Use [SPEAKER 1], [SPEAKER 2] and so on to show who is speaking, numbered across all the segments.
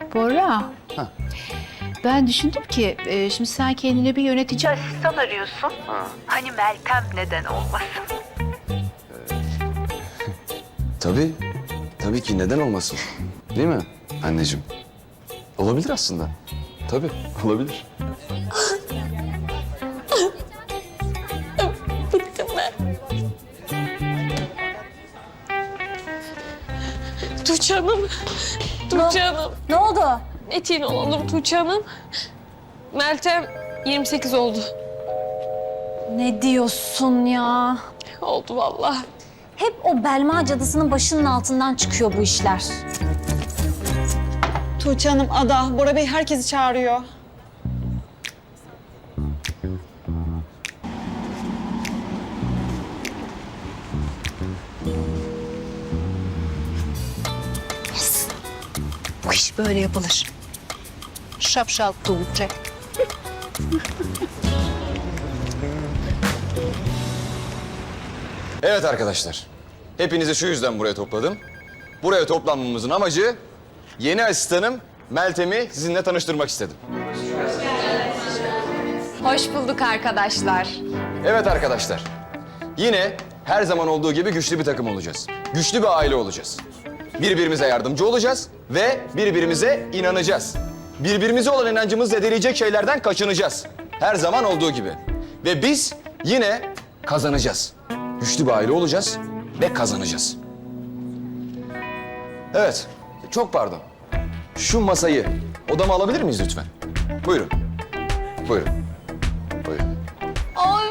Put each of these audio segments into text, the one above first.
[SPEAKER 1] Bora.
[SPEAKER 2] Ha.
[SPEAKER 1] Ben düşündüm ki şimdi sen kendine bir yönetici asistan arıyorsun. Hani Meltem neden olmasın?
[SPEAKER 2] Tabii. Tabii ki neden olmasın? Değil mi anneciğim? Olabilir aslında. Tabii olabilir.
[SPEAKER 3] Bittim ben. Tuğçe Hanım. Tuğçe Hanım.
[SPEAKER 4] Ne oldu?
[SPEAKER 3] Etiğin olalım Tuğçe Hanım. Meltem 28 oldu.
[SPEAKER 4] Ne diyorsun ya?
[SPEAKER 3] Oldu vallahi.
[SPEAKER 4] Hep o Belma cadısının başının altından çıkıyor bu işler.
[SPEAKER 5] Tuğçe Hanım, Ada, Bora Bey herkesi çağırıyor.
[SPEAKER 1] Bu iş böyle yapılır. Şapşal Tuğçe.
[SPEAKER 2] Evet arkadaşlar. Hepinizi şu yüzden buraya topladım. Buraya toplanmamızın amacı yeni asistanım Meltem'i sizinle tanıştırmak istedim.
[SPEAKER 3] Hoş bulduk arkadaşlar.
[SPEAKER 2] Evet arkadaşlar. Yine her zaman olduğu gibi güçlü bir takım olacağız. Güçlü bir aile olacağız. Birbirimize yardımcı olacağız ve birbirimize inanacağız. Birbirimize olan inancımızı zedeleyecek şeylerden kaçınacağız. Her zaman olduğu gibi. Ve biz yine kazanacağız. Güçlü bir aile olacağız ve kazanacağız. Evet, çok pardon. Şu masayı odama alabilir miyiz lütfen? Buyurun. Buyurun. Buyurun.
[SPEAKER 3] Ay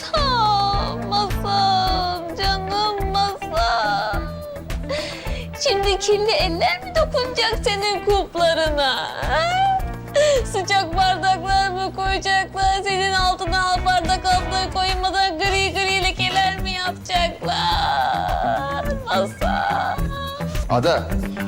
[SPEAKER 3] masam, canım masam. Şimdi kirli eller mi dokunacak senin kuplarına? Ha? Sıcak bardaklar mı koyacaklar? Senin altına al bardak altına koymadan gri gri lekeler mi yapacaklar? Masa.
[SPEAKER 2] Ada.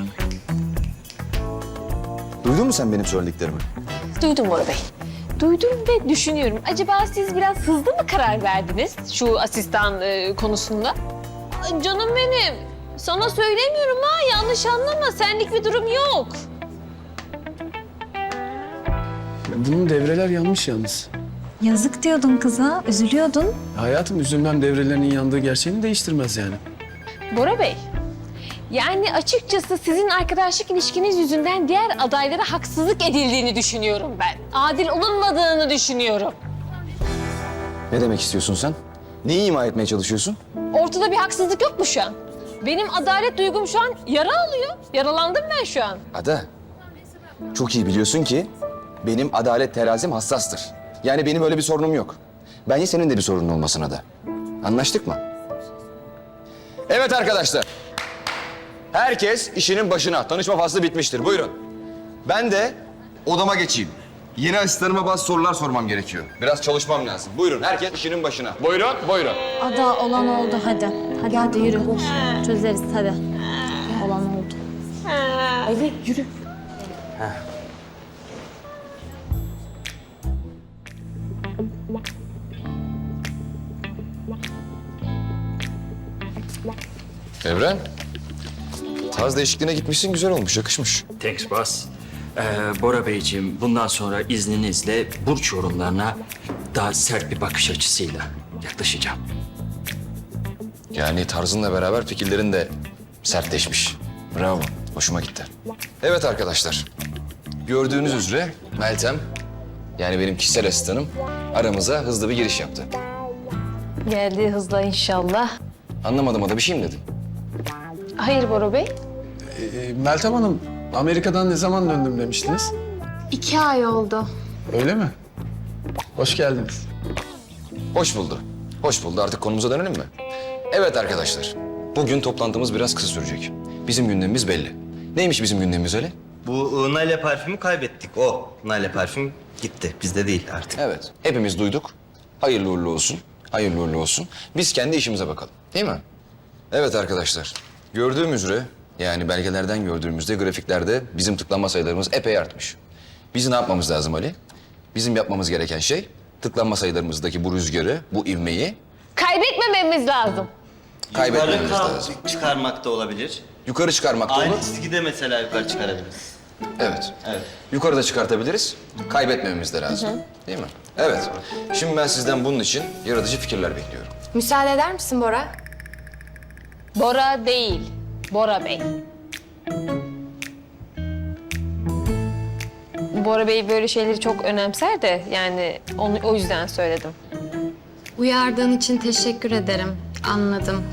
[SPEAKER 2] Duydun mu sen benim söylediklerimi?
[SPEAKER 3] Duydum Bora Bey. Duydum ve düşünüyorum. Acaba siz biraz hızlı mı karar verdiniz şu asistan konusunda? Ay, canım benim. Sana söylemiyorum ha. Yanlış anlama. Senlik bir durum yok.
[SPEAKER 6] Bunun devreler yanmış yalnız.
[SPEAKER 4] Yazık diyordun kıza, üzülüyordun.
[SPEAKER 6] Hayatım üzülmem devrelerinin yandığı gerçeğini değiştirmez yani.
[SPEAKER 3] Bora Bey. Yani açıkçası sizin arkadaşlık ilişkiniz yüzünden diğer adaylara haksızlık edildiğini düşünüyorum ben. Adil olunmadığını düşünüyorum.
[SPEAKER 2] Ne demek istiyorsun sen? Neyi ima etmeye çalışıyorsun?
[SPEAKER 3] Ortada bir haksızlık yok mu şu an? Benim adalet duygum şu an yara alıyor. Yaralandım ben şu an.
[SPEAKER 2] Ada, çok iyi biliyorsun ki benim adalet terazim hassastır. Yani benim öyle bir sorunum yok. Bence senin de bir sorunun olmasın Ada. Anlaştık mı? Evet arkadaşlar. Herkes işinin başına. Tanışma faslı bitmiştir. Buyurun. Ben de odama geçeyim. Yeni asistanıma bazı sorular sormam gerekiyor. Biraz çalışmam lazım. Buyurun herkes işinin başına. Buyurun, buyurun.
[SPEAKER 4] Ada olan oldu hadi. Hadi yürü. Çözeriz hadi. Olan oldu.
[SPEAKER 3] Ali yürü.
[SPEAKER 2] Evren, tarz değişikliğine gitmişsin, güzel olmuş, yakışmış.
[SPEAKER 7] Thanks boss. Bora Beyciğim, bundan sonra izninizle burç yorumlarına daha sert bir bakış açısıyla yaklaşacağım.
[SPEAKER 2] Yani tarzınla beraber fikirlerin de sertleşmiş. Bravo, hoşuma gitti. Evet arkadaşlar, gördüğünüz üzere Meltem, yani benim kişisel asistanım, aramıza hızlı bir giriş yaptı.
[SPEAKER 3] Geldiği hızla inşallah.
[SPEAKER 2] Anlamadım Ada, bir şey mi dedin?
[SPEAKER 3] Hayır Bora Bey.
[SPEAKER 6] Meltem Hanım, Amerika'dan ne zaman döndüm demiştiniz?
[SPEAKER 3] 2 ay oldu.
[SPEAKER 6] Öyle mi? Hoş geldiniz.
[SPEAKER 2] Hoş buldu. Hoş buldu. Artık konumuza dönelim mi? Evet arkadaşlar, bugün toplantımız biraz kısa sürecek. Bizim gündemimiz belli. Neymiş bizim gündemimiz öyle?
[SPEAKER 8] Bu Nale parfümü kaybettik. O Nale parfüm gitti. Bizde değil artık.
[SPEAKER 2] Evet, hepimiz duyduk. Hayırlı uğurlu olsun. Hayırlı uğurlu olsun. Biz kendi işimize bakalım. Değil mi? Evet arkadaşlar. Gördüğüm üzere, yani belgelerden gördüğümüzde, grafiklerde bizim tıklanma sayılarımız epey artmış. Biz ne yapmamız lazım Ali? Bizim yapmamız gereken şey, tıklanma sayılarımızdaki bu rüzgarı, bu ivmeyi
[SPEAKER 3] Kaybetmememiz lazım.
[SPEAKER 2] kaybetmememiz
[SPEAKER 8] Yukarı
[SPEAKER 2] lazım.
[SPEAKER 8] çıkarmak da olabilir.
[SPEAKER 2] Yukarı çıkarmak da
[SPEAKER 8] Aynı
[SPEAKER 2] olur.
[SPEAKER 8] çizgide mesela yukarı çıkarabiliriz.
[SPEAKER 2] Evet. Yukarıda çıkartabiliriz. Kaybetmememiz de lazım. Değil mi? Evet. Şimdi ben sizden bunun için yaratıcı fikirler bekliyorum.
[SPEAKER 9] Müsaade eder misin Bora?
[SPEAKER 3] Bora değil, Bora Bey. Bora Bey böyle şeyleri çok önemser de yani onu o yüzden söyledim.
[SPEAKER 9] Uyardığın için teşekkür ederim. Anladım.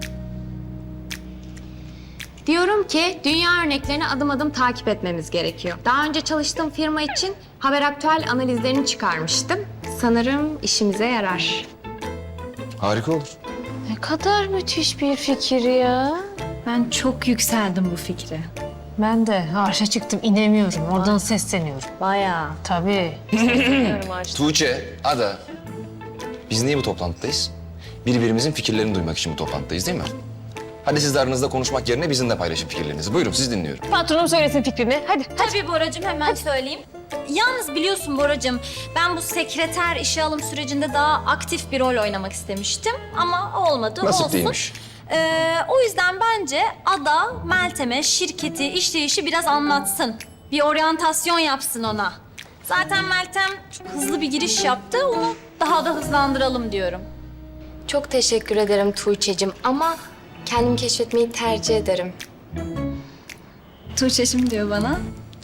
[SPEAKER 9] Diyorum ki dünya örneklerini adım adım takip etmemiz gerekiyor. Daha önce çalıştığım firma için haber aktüel analizlerini çıkarmıştım. Sanırım işimize yarar.
[SPEAKER 2] Harika olur.
[SPEAKER 3] Ne kadar müthiş bir fikir ya.
[SPEAKER 4] Ben çok yükseldim bu fikre.
[SPEAKER 3] Ben de arşa çıktım, inemiyorum. Oradan sesleniyorum.
[SPEAKER 4] Bayağı.
[SPEAKER 3] Tabii. Sesleniyorum arşa.
[SPEAKER 2] Tuğçe, Ada. Biz niye bu toplantıdayız? Birbirimizin fikirlerini duymak için bu toplantıdayız değil mi? Hadi siz de aranızda konuşmak yerine bizimle paylaşın fikirlerinizi. Buyurun, siz dinliyorum.
[SPEAKER 3] Patronum söylesin fikrini. Hadi.
[SPEAKER 4] Tabii Boracığım, hemen söyleyeyim. Yalnız biliyorsun Boracığım, ben bu sekreter işe alım sürecinde daha aktif bir rol oynamak istemiştim. Ama olmadı,
[SPEAKER 2] Nasip
[SPEAKER 4] olsun.
[SPEAKER 2] değilmiş.
[SPEAKER 4] O yüzden bence Ada, Meltem'e şirketi, işleyişi biraz anlatsın. Bir oryantasyon yapsın ona. Zaten Meltem çok hızlı bir giriş yaptı, onu daha da hızlandıralım diyorum.
[SPEAKER 9] Çok teşekkür ederim Tuğçe'cim ama kendim keşfetmeyi tercih ederim.
[SPEAKER 4] Tuğçe'şim diyor bana.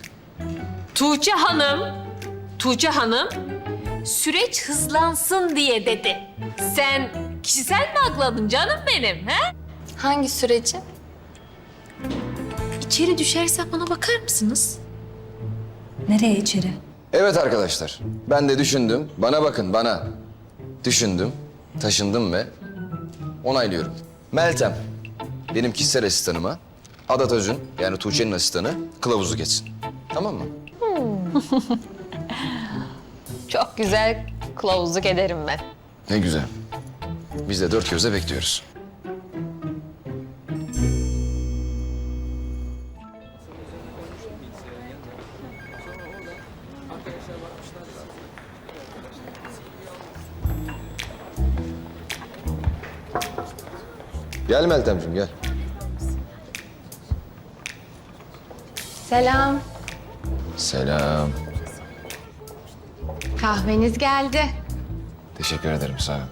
[SPEAKER 3] Tuğçe Hanım, süreç hızlansın diye dedi. Sen kişisel mi akladın canım benim, he?
[SPEAKER 9] Hangi süreci?
[SPEAKER 3] İçeri düşersem bana bakar mısınız?
[SPEAKER 4] Nereye içeri?
[SPEAKER 2] Evet arkadaşlar, ben de düşündüm. Bana bakın, bana. Düşündüm, taşındım ve onaylıyorum. Meltem, benim kişisel asistanıma, Ada Özün, yani Tuğçe'nin asistanı, kılavuzu geçsin. Tamam mı?
[SPEAKER 3] Çok güzel kılavuzluk ederim ben.
[SPEAKER 2] Ne güzel. Biz de dört gözle bekliyoruz. Gel Meltemciğim, gel.
[SPEAKER 9] Selam.
[SPEAKER 2] Selam.
[SPEAKER 9] Kahveniz geldi.
[SPEAKER 2] Teşekkür ederim, sağ ol.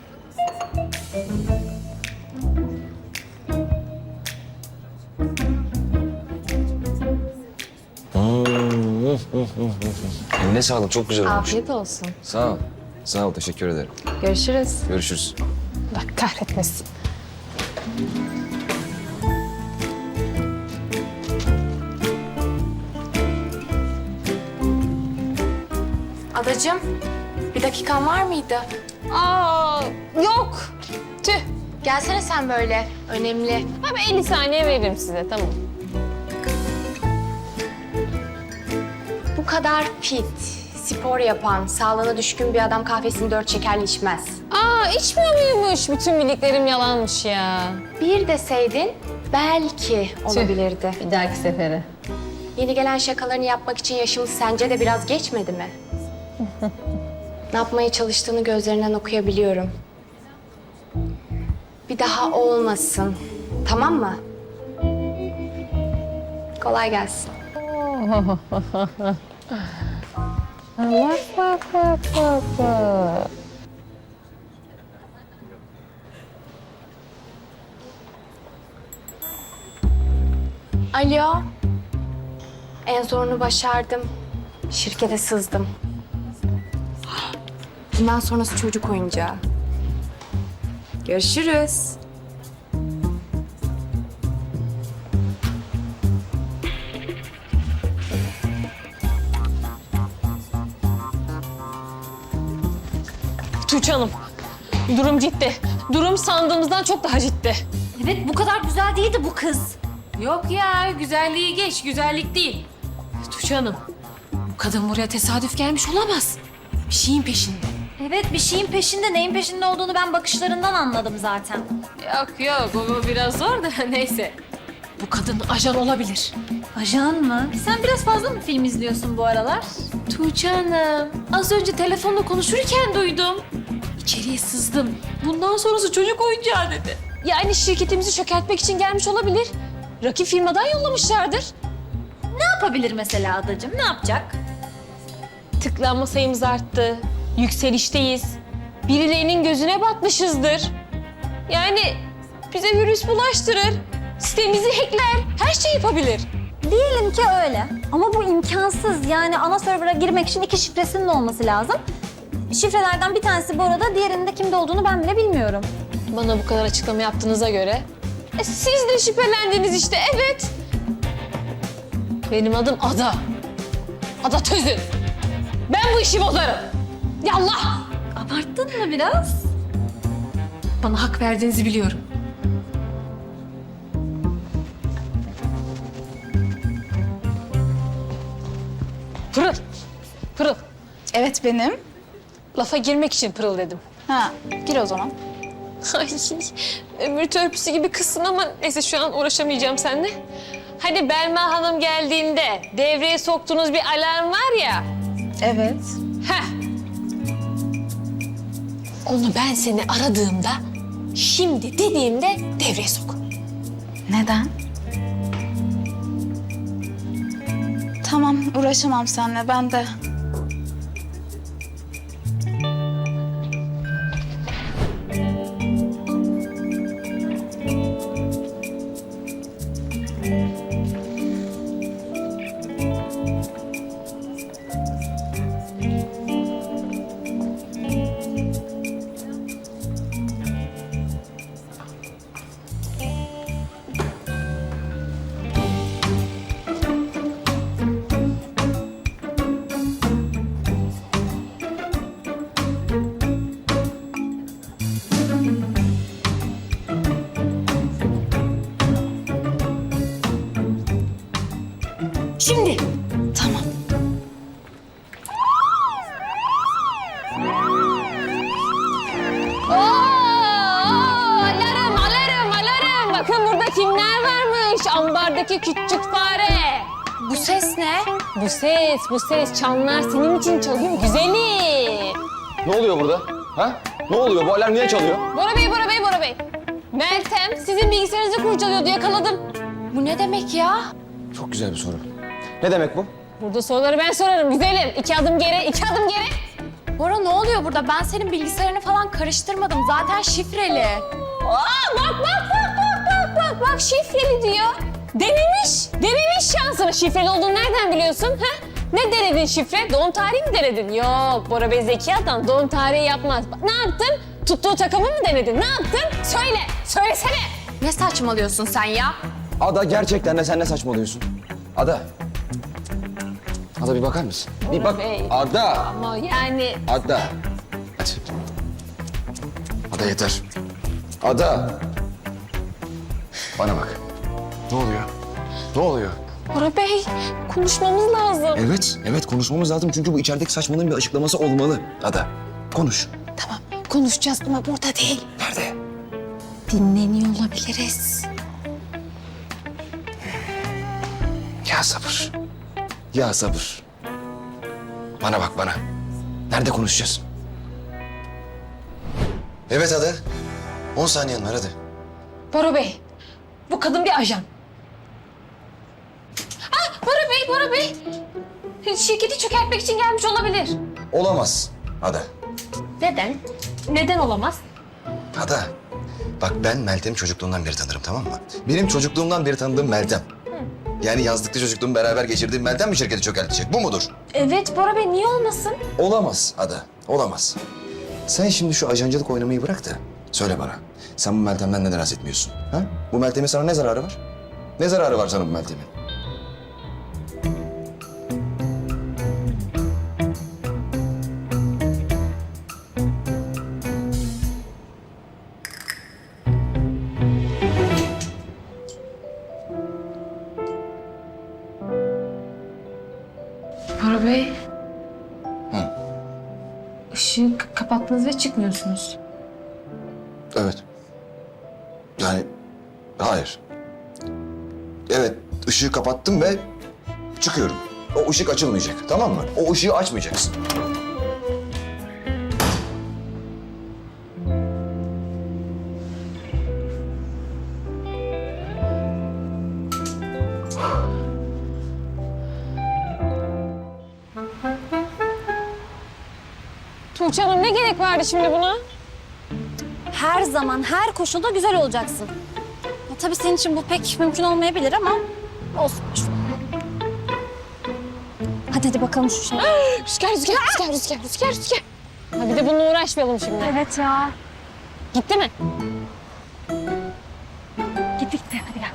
[SPEAKER 2] Eline sağlık, çok güzel olmuş.
[SPEAKER 9] Afiyet olsun.
[SPEAKER 2] Sağ ol. Sağ ol, teşekkür ederim.
[SPEAKER 9] Görüşürüz.
[SPEAKER 2] Görüşürüz.
[SPEAKER 3] Bak kahretmesin.
[SPEAKER 9] Adacığım, bir dakikan var mıydı?
[SPEAKER 3] Aa, yok. Tüh.
[SPEAKER 9] Gelsene sen böyle. Önemli.
[SPEAKER 3] Ben 50 saniye veririm size, tamam.
[SPEAKER 9] Bu kadar fit, spor yapan, sağlığına düşkün bir adam kahvesini 4 şekerli içmez.
[SPEAKER 3] Aa, içmiyor muymuş? Bütün bildiklerim yalanmış ya.
[SPEAKER 9] Bir deseydin belki olabilirdi.
[SPEAKER 3] Bir dahaki sefere.
[SPEAKER 9] Yeni gelen şakalarını yapmak için yaşımız sence de biraz geçmedi mi? Ne yapmaya çalıştığını gözlerinden okuyabiliyorum. Bir daha olmasın. Tamam mı? Kolay gelsin.
[SPEAKER 3] Bak.
[SPEAKER 9] Alo. En zorunu başardım. Şirkete sızdım. Bundan sonrası çocuk oyuncağı. Görüşürüz.
[SPEAKER 3] Tuğçe Hanım, durum ciddi. Durum sandığımızdan çok daha ciddi.
[SPEAKER 4] Evet, bu kadar güzel değildi bu kız.
[SPEAKER 3] Yok ya, güzelliği geç, güzellik değil. Tuğçe Hanım, bu kadın buraya tesadüf gelmiş olamaz. Bir şeyin peşinde.
[SPEAKER 4] Evet, bir şeyin peşinde, neyin peşinde olduğunu ben bakışlarından anladım zaten.
[SPEAKER 3] Yok, bu biraz zor da neyse. Bu kadın ajan olabilir.
[SPEAKER 4] Ajan mı? Sen biraz fazla mı film izliyorsun bu aralar?
[SPEAKER 3] Tuğçe Hanım, az önce telefonla konuşurken duydum. İçeriye sızdım. Bundan sonrası çocuk oyuncağı dedi. Yani şirketimizi çökertmek için gelmiş olabilir. Rakip firmadan yollamışlardır.
[SPEAKER 4] Ne yapabilir mesela adacığım? Ne yapacak?
[SPEAKER 3] Tıklanma sayımız arttı. Yükselişteyiz. Birilerinin gözüne batmışızdır. Yani bize virüs bulaştırır. Sitemizi hackler. Her şey yapabilir.
[SPEAKER 4] Diyelim ki öyle. Ama bu imkansız. Yani ana server'a girmek için 2 şifresinin olması lazım. Şifrelerden bir tanesi bu arada, diğerinin de kimde olduğunu ben bile bilmiyorum.
[SPEAKER 3] Bana bu kadar açıklama yaptığınıza göre siz de şüphelendiniz işte, evet. Benim adım Ada. Ada Tözün. Ben bu işi bozarım. Yallah.
[SPEAKER 4] Abarttın mı biraz?
[SPEAKER 3] Bana hak verdiğinizi biliyorum. Pırıl. Pırıl.
[SPEAKER 1] Evet benim.
[SPEAKER 3] Lafa girmek için pırıl dedim.
[SPEAKER 1] Ha, gir o zaman.
[SPEAKER 3] Ay, ömür törpüsü gibi kızsın ama neyse şu an uğraşamayacağım seninle. Hani Belma Hanım geldiğinde devreye soktuğunuz bir alarm var ya.
[SPEAKER 1] Evet.
[SPEAKER 3] Heh. Onu ben seni aradığımda, şimdi dediğimde devreye sok.
[SPEAKER 1] Neden? Tamam, uğraşamam seninle. Ben de.
[SPEAKER 3] Şimdi.
[SPEAKER 1] Tamam.
[SPEAKER 3] Alarm, alarm, alarm. Bakın burada kimler varmış? Ambardaki küçük fare.
[SPEAKER 9] Bu ses ne?
[SPEAKER 3] Bu ses çanlar senin için çalıyor güzelim.
[SPEAKER 2] Ne oluyor burada? Ha? Ne oluyor? Bu alarm niye çalıyor?
[SPEAKER 3] Bora Bey, Bora Bey, Bora Bey. Meltem sizin bilgisayarınızı kurcalıyordu, yakaladım.
[SPEAKER 9] Bu ne demek ya?
[SPEAKER 2] Çok güzel bir soru. Ne demek bu?
[SPEAKER 3] Burada soruları ben sorarım güzelim. 2 adım geri, 2 adım geri.
[SPEAKER 9] Bora ne oluyor burada? Ben senin bilgisayarını falan karıştırmadım. Zaten şifreli.
[SPEAKER 3] Bak şifreli diyor. Denemiş şansını. Şifreli olduğunu nereden biliyorsun? Ha? Ne denedin şifre? Doğum tarihi mi denedin? Yok, Bora Bey zeki adam. Doğum tarihi yapmaz. Bak, ne yaptın? Tuttuğu takımı mı denedin? Ne yaptın? Söylesene.
[SPEAKER 9] Ne saçmalıyorsun sen ya?
[SPEAKER 2] Ada gerçekten de sen ne saçmalıyorsun? Ada. Ada bir bakar mısın? Bir bak.
[SPEAKER 3] Bey.
[SPEAKER 2] Ada.
[SPEAKER 3] Ama yani
[SPEAKER 2] Ada. Hadi. Ada yeter. Ada. Bana bak. Ne oluyor? Ne oluyor?
[SPEAKER 3] Bora Bey konuşmamız lazım.
[SPEAKER 2] Evet konuşmamız lazım çünkü bu içerideki saçmalığın bir açıklaması olmalı. Ada, konuş.
[SPEAKER 3] Tamam konuşacağız ama burada değil.
[SPEAKER 2] Nerede?
[SPEAKER 3] Dinleniyor olabiliriz.
[SPEAKER 2] Ya sabır. Ya sabır. Bana bak bana. Nerede konuşacağız? Evet Ada. 10 saniyen var hadi.
[SPEAKER 3] Bora Bey, bu kadın bir ajan. Bora Bey. Şirketi çökertmek için gelmiş olabilir.
[SPEAKER 2] Olamaz Ada.
[SPEAKER 3] Neden? Neden olamaz?
[SPEAKER 2] Ada. Bak ben Meltem'i çocukluğumdan beri tanırım tamam mı? Benim çocukluğumdan beri tanıdığım Meltem. Yani yazlıkta çocukluğumu beraber geçirdiğim Meltem mi şirketi çökertecek? Bu mudur?
[SPEAKER 3] Evet Bora Bey, niye olmasın?
[SPEAKER 2] Olamaz Ada. Olamaz. Sen şimdi şu ajancılık oynamayı bırak da söyle bana. Sen bu Meltem'den neden etmiyorsun? Ha? Bu Meltem'in sana ne zararı var? Ne zararı var sana bu Meltem'in?
[SPEAKER 3] Bora Bey.
[SPEAKER 2] Hı.
[SPEAKER 3] Işığı kapattınız ve çıkmıyorsunuz.
[SPEAKER 2] Evet. Yani hayır. Evet ışığı kapattım ve çıkıyorum. O ışık açılmayacak tamam mı? O ışığı açmayacaksın.
[SPEAKER 3] Tuğçe Hanım ne gerek vardı şimdi buna?
[SPEAKER 4] Her zaman, her koşulda güzel olacaksın. Ya, tabii senin için bu pek mümkün olmayabilir ama olsun. Hadi bakalım şu şey.
[SPEAKER 3] Rüzgar. Ha bir de bununla uğraşmayalım şimdi.
[SPEAKER 4] Evet ya.
[SPEAKER 3] Gitti mi?
[SPEAKER 4] Gittik de hadi gel.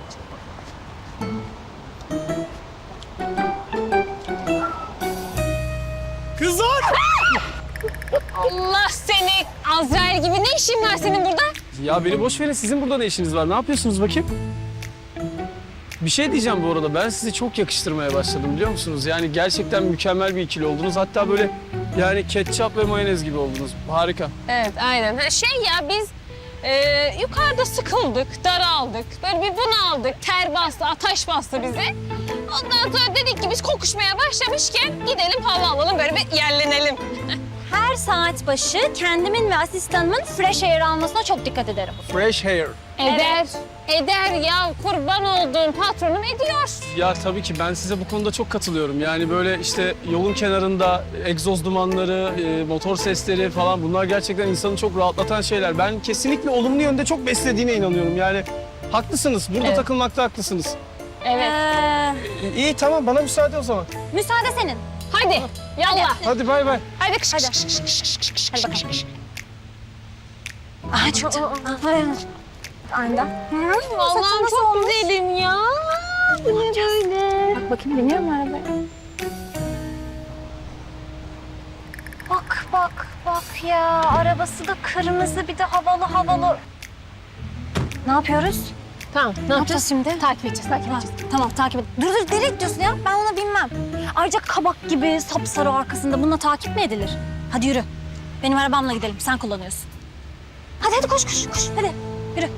[SPEAKER 6] Kızlar!
[SPEAKER 3] Allah seni! Azrail gibi ne işin var senin burada?
[SPEAKER 6] Ya beni boş verin. Sizin burada ne işiniz var? Ne yapıyorsunuz bakayım? Bir şey diyeceğim bu arada. Ben sizi çok yakıştırmaya başladım biliyor musunuz? Yani gerçekten mükemmel bir ikili oldunuz. Hatta böyle yani ketçap ve mayonez gibi oldunuz. Harika.
[SPEAKER 3] Evet aynen. Ha, biz yukarıda sıkıldık, daraldık. Böyle bir bunaldık, ter bastı, ateş bastı bize. Ondan sonra dedik ki biz kokuşmaya başlamışken gidelim hava alalım, böyle bir yerlenelim.
[SPEAKER 4] Her saat başı kendimin ve asistanımın fresh air almasına çok dikkat ederim.
[SPEAKER 6] Fresh hair.
[SPEAKER 3] Eder ya, kurban olduğum patronum ediyor.
[SPEAKER 6] Ya tabii ki ben size bu konuda çok katılıyorum. Yani böyle işte yolun kenarında egzoz dumanları, motor sesleri falan bunlar gerçekten insanı çok rahatlatan şeyler. Ben kesinlikle olumlu yönde çok beslediğine inanıyorum. Yani haklısınız. Burada takılmakta haklısınız.
[SPEAKER 3] Evet.
[SPEAKER 6] İyi tamam bana müsaade o zaman.
[SPEAKER 4] Müsaade senin.
[SPEAKER 3] Hadi, yallah.
[SPEAKER 6] Hadi bay bay.
[SPEAKER 3] Hadi.
[SPEAKER 4] Hadi. Hadi bakalım. Aha çıktı. Aynen.
[SPEAKER 3] Allah'ım çok güzelim ya. Bu ne böyle?
[SPEAKER 4] Bak bakayım biniyor mu arabaya? Bak ya. Arabası da kırmızı bir de havalı. Ne yapıyoruz?
[SPEAKER 3] Tamam, ne yapacağız
[SPEAKER 4] şimdi? Takip edeceğiz. Tamam takip et. Dur nereye gidiyorsun ya? Ben onu bilmem. Ayrıca kabak gibi sapsarı arkasında bununla takip mi edilir? Hadi yürü. Benim arabamla gidelim. Sen kullanıyorsun. Hadi koş. Hadi yürü.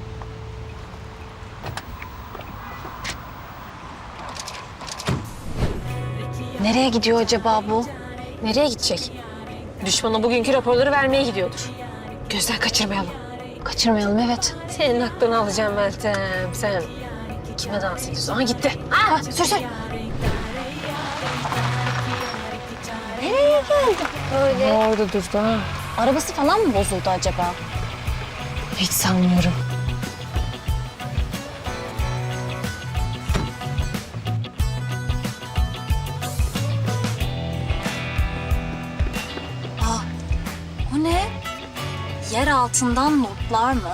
[SPEAKER 4] Nereye gidiyor acaba bu?
[SPEAKER 3] Nereye gidecek? Düşmana bugünkü raporları vermeye gidiyordur. Gözden kaçırmayalım.
[SPEAKER 4] Kaçırmayalım evet.
[SPEAKER 3] Senin aklını alacağım Meltem. Sen kime dans ediyorsun? Aha gitti.
[SPEAKER 4] Sür. Nereye geldi böyle?
[SPEAKER 3] Orada durdu ha.
[SPEAKER 4] Arabası falan mı bozuldu acaba?
[SPEAKER 3] Hiç sanmıyorum.
[SPEAKER 4] O ne? Yer altından notlar mı?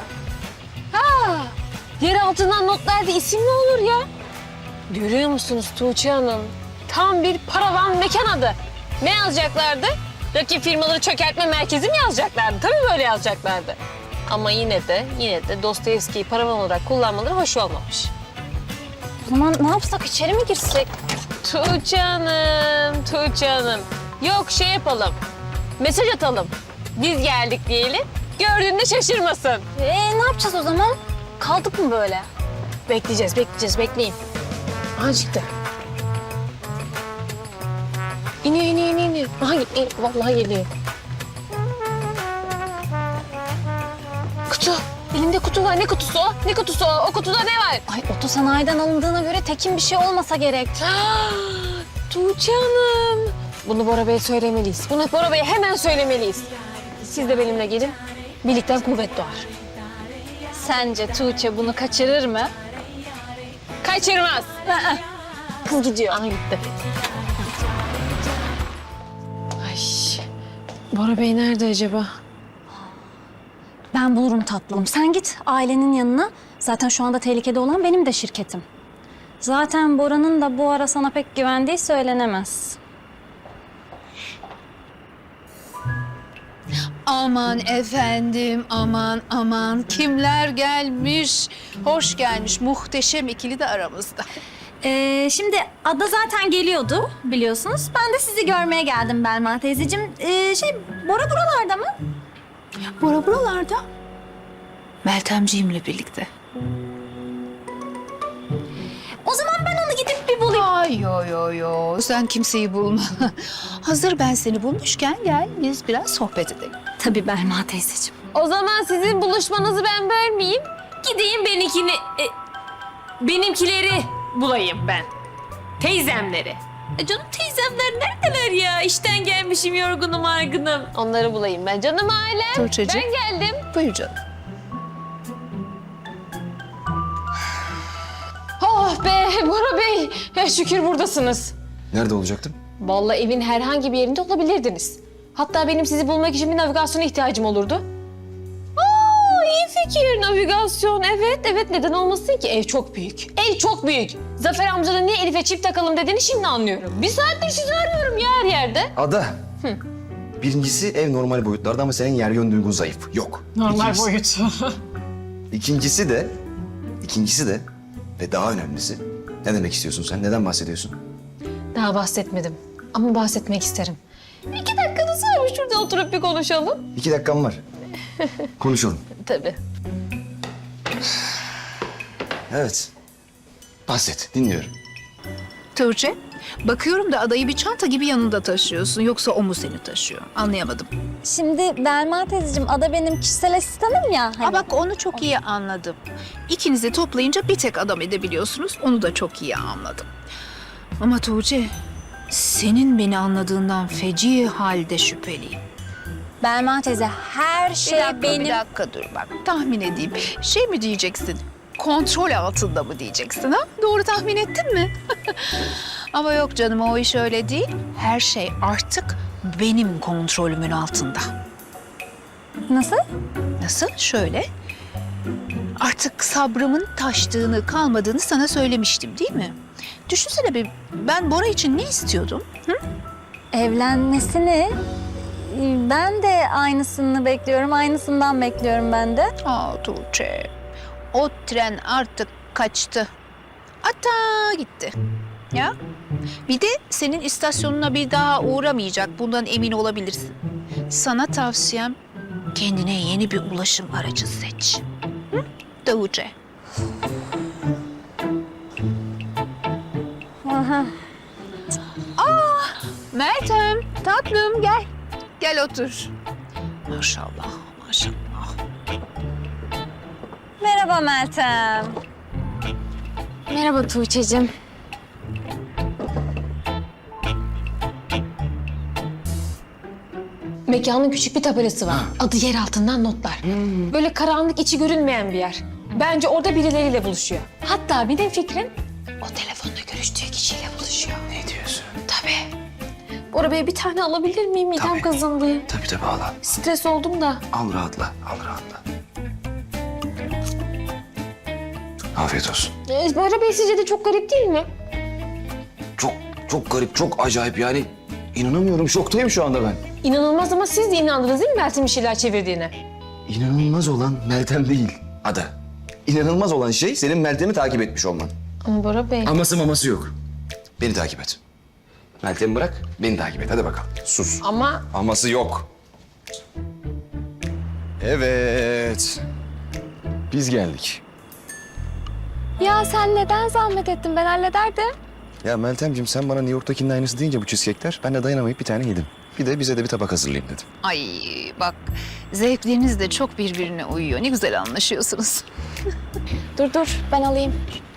[SPEAKER 3] Yer altından notlarda isim mi olur ya? Görüyor musunuz Tuğçe Hanım? Tam bir paravan mekan adı. Ne yazacaklardı? Rakip firmaları çökertme merkezi mi yazacaklardı? Tabii böyle yazacaklardı. Ama yine de Dostoyevski'yi paravan olarak kullanmaları hoş olmamış.
[SPEAKER 4] O zaman ne yapsak, içeri mi girsek?
[SPEAKER 3] Tuğçe Hanım. Yok şey yapalım. Mesaj atalım. Biz geldik diyelim. Gördüğünde şaşırmasın.
[SPEAKER 4] Ne yapacağız o zaman? Kaldık mı böyle?
[SPEAKER 3] Bekleyeceğiz, bekleyin. Aha çıktı. İniyor. Aha gitti, vallahi geliyor. Kutu. Elimde kutu var. Ne kutusu o? Ne kutusu o? O kutuda ne var?
[SPEAKER 4] Ay otosanayiden alındığına göre tekin bir şey olmasa gerek.
[SPEAKER 3] Tuğçe Hanım. Bunu Bora Bey'e söylemeliyiz. Bunu Bora Bey'e hemen söylemeliyiz. Siz de benimle gelin. Birlikten kuvvet doğar.
[SPEAKER 4] Sence Tuğçe bunu kaçırır mı?
[SPEAKER 3] Kaçırmaz.
[SPEAKER 4] Kız gidiyor.
[SPEAKER 3] Aha gitti. Ay. Bora Bey nerede acaba?
[SPEAKER 4] Ben bulurum tatlım. Sen git ailenin yanına. Zaten şu anda tehlikede olan benim de şirketim. Zaten Bora'nın da bu ara sana pek güvendiği söylenemez.
[SPEAKER 1] Aman efendim, aman. Kimler gelmiş? Hoş gelmiş. Muhteşem ikili de aramızda.
[SPEAKER 4] Şimdi Ada zaten geliyordu biliyorsunuz. Ben de sizi görmeye geldim Belma teyzeciğim. Bora buralarda mı?
[SPEAKER 1] Bora buralarda. Meltemciğimle birlikte.
[SPEAKER 4] O zaman ben onu gidip bir bulayım.
[SPEAKER 1] Ay yo. Sen kimseyi bulma. Hazır ben seni bulmuşken gel biz biraz sohbet edelim.
[SPEAKER 4] Tabii Belma teyzeciğim.
[SPEAKER 3] O zaman sizin buluşmanızı ben bölmeyeyim. Gideyim benimkileri bulayım ben. Teyzemleri. Canım teyzemler neredeler ya? İşten gelmişim yorgunum argınım. Onları bulayım ben. Canım ailem.
[SPEAKER 1] Tuğçe'cim.
[SPEAKER 3] Ben geldim.
[SPEAKER 1] Buyur canım.
[SPEAKER 3] Oh be Bora Bey. Ya şükür buradasınız.
[SPEAKER 2] Nerede olacaktım?
[SPEAKER 3] Vallahi evin herhangi bir yerinde olabilirdiniz. Hatta benim sizi bulmak için bir navigasyona ihtiyacım olurdu. Aa, iyi fikir navigasyon. Evet neden olmasın ki? Ev çok büyük. Ev çok büyük. Zafer amcanın niye Elif'e çift takalım dediğini şimdi anlıyorum. Bir saattir sizi arıyorum ya her yerde.
[SPEAKER 2] Ada. Birincisi ev normal boyutlarda ama senin yer yön duygun zayıf. Yok.
[SPEAKER 5] Normal boyut.
[SPEAKER 2] İkincisi de ve daha önemlisi. Ne demek istiyorsun sen? Neden bahsediyorsun?
[SPEAKER 3] Daha bahsetmedim ama bahsetmek isterim. 2 dakikanız var mı? Şurada oturup bir konuşalım.
[SPEAKER 2] 2 dakikam var. Konuşalım.
[SPEAKER 3] Tabii.
[SPEAKER 2] Evet. Bahset, dinliyorum.
[SPEAKER 1] Tuğçe, bakıyorum da adayı bir çanta gibi yanında taşıyorsun. Yoksa o mu seni taşıyor? Anlayamadım.
[SPEAKER 4] Şimdi Belma teyzeciğim, Ada benim kişisel asistanım ya.
[SPEAKER 1] Ha bak onu çok iyi anladım. İkinizi toplayınca bir tek adam edebiliyorsunuz. Onu da çok iyi anladım. Ama Tuğçe, senin beni anladığından feci halde şüpheliyim.
[SPEAKER 4] Belma teyze her şey benim...
[SPEAKER 1] Bir dakika dur bak. Tahmin edeyim. Şey mi diyeceksin? Kontrol altında mı diyeceksin ha? Doğru tahmin ettin mi? Ama yok canım o iş öyle değil. Her şey artık benim kontrolümün altında.
[SPEAKER 4] Nasıl?
[SPEAKER 1] Nasıl? Şöyle. Artık sabrımın taştığını, kalmadığını sana söylemiştim değil mi? Düşünsene bir, ben Bora için ne istiyordum? Hı?
[SPEAKER 4] Evlenmesini... Ben de aynısını bekliyorum. Aynısından bekliyorum ben de.
[SPEAKER 1] Aa Tuğçe, o tren artık kaçtı. Hatta gitti. Ya. Bir de senin istasyonuna bir daha uğramayacak. Bundan emin olabilirsin. Sana tavsiyem kendine yeni bir ulaşım aracı seç. Hı? Tuğçe.
[SPEAKER 4] Aha.
[SPEAKER 1] Meltem, tatlım gel. Gel otur. Maşallah, maşallah.
[SPEAKER 4] Merhaba Meltem.
[SPEAKER 9] Merhaba Tuğçe'cim.
[SPEAKER 3] Mekanın küçük bir tabelası var. Adı yer altından notlar. Böyle karanlık içi görünmeyen bir yer. Bence orada birileriyle buluşuyor. Hatta benim fikrim o telefonla görüştüğü kişiyle buluşuyor.
[SPEAKER 2] Ne diyorsun?
[SPEAKER 3] Tabii. Bora Bey bir tane alabilir miyim? Midem
[SPEAKER 2] Tabii.
[SPEAKER 3] kazındı.
[SPEAKER 2] Tabii al.
[SPEAKER 3] Stres oldum da.
[SPEAKER 2] Al rahatla. Afiyet olsun.
[SPEAKER 3] Bora Bey sizce de çok garip değil mi?
[SPEAKER 2] Çok garip, çok acayip yani. İnanamıyorum, şoktayım şu anda ben.
[SPEAKER 3] İnanılmaz ama siz de inandınız değil mi Meltem'in bir şeyler çevirdiğine?
[SPEAKER 2] İnanılmaz olan Meltem değil, Ada. İnanılmaz olan şey senin Meltem'i takip etmiş olman.
[SPEAKER 3] Ama Bora Bey...
[SPEAKER 2] Aması maması yok. Beni takip et. Meltem'i bırak, beni takip et. Hadi bakalım. Sus.
[SPEAKER 3] Ama
[SPEAKER 2] Aması yok. Evet. Biz geldik.
[SPEAKER 9] Ya sen neden zahmet ettin? Ben hallederdim.
[SPEAKER 2] Ya Meltemciğim sen bana New York'takinin aynısı deyince bu cheesecake'ler ben de dayanamayıp bir tane yedim. Bir de bize de bir tabak hazırlayayım dedim.
[SPEAKER 1] Ay bak, zevkleriniz de çok birbirine uyuyor. Ne güzel anlaşıyorsunuz.
[SPEAKER 9] Dur ben alayım.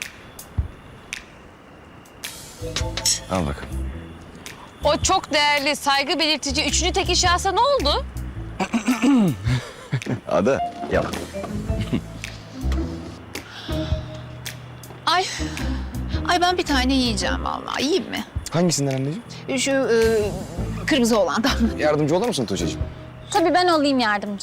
[SPEAKER 2] Al bakalım.
[SPEAKER 3] o çok değerli, saygı belirtici üçüncü tek şahsa ne oldu?
[SPEAKER 2] Ada, yalan.
[SPEAKER 1] Ay ben bir tane yiyeceğim vallahi. Yiyeyim mi?
[SPEAKER 2] Hangisinden anneciğim?
[SPEAKER 1] Şu kırmızı olandan.
[SPEAKER 2] Yardımcı olur musun Tuğçe'cim?
[SPEAKER 4] Tabii ben olayım yardımcı.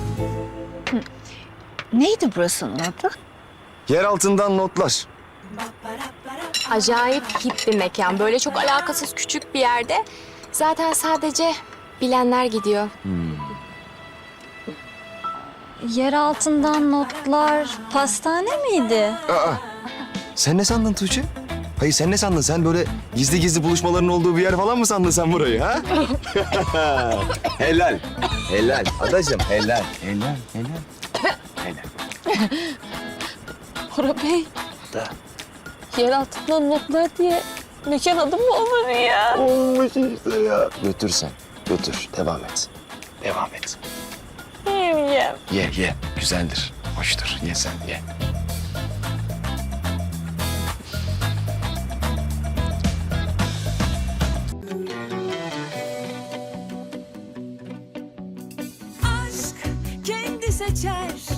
[SPEAKER 1] Neydi burasının adı?
[SPEAKER 2] Yer altından notlar.
[SPEAKER 9] Acayip hip bir mekan. Böyle çok alakasız küçük bir yerde. Zaten sadece bilenler gidiyor.
[SPEAKER 4] Yer altından notlar pastane miydi?
[SPEAKER 2] Aa, sen ne sandın Tuğçe? Hayır sen ne sandın? Sen böyle gizli gizli buluşmaların olduğu bir yer falan mı sandın sen burayı ha? Helal. Adacığım helal.
[SPEAKER 3] Bora Bey. Yer altından notlar diye mekan adı mı olur ya?
[SPEAKER 2] Olmuş işte ya. Götür sen. Götür. Devam et.
[SPEAKER 3] Yemeyeceğim.
[SPEAKER 2] Ye. Güzeldir. Hoştur. Ye sen ye.
[SPEAKER 10] seçer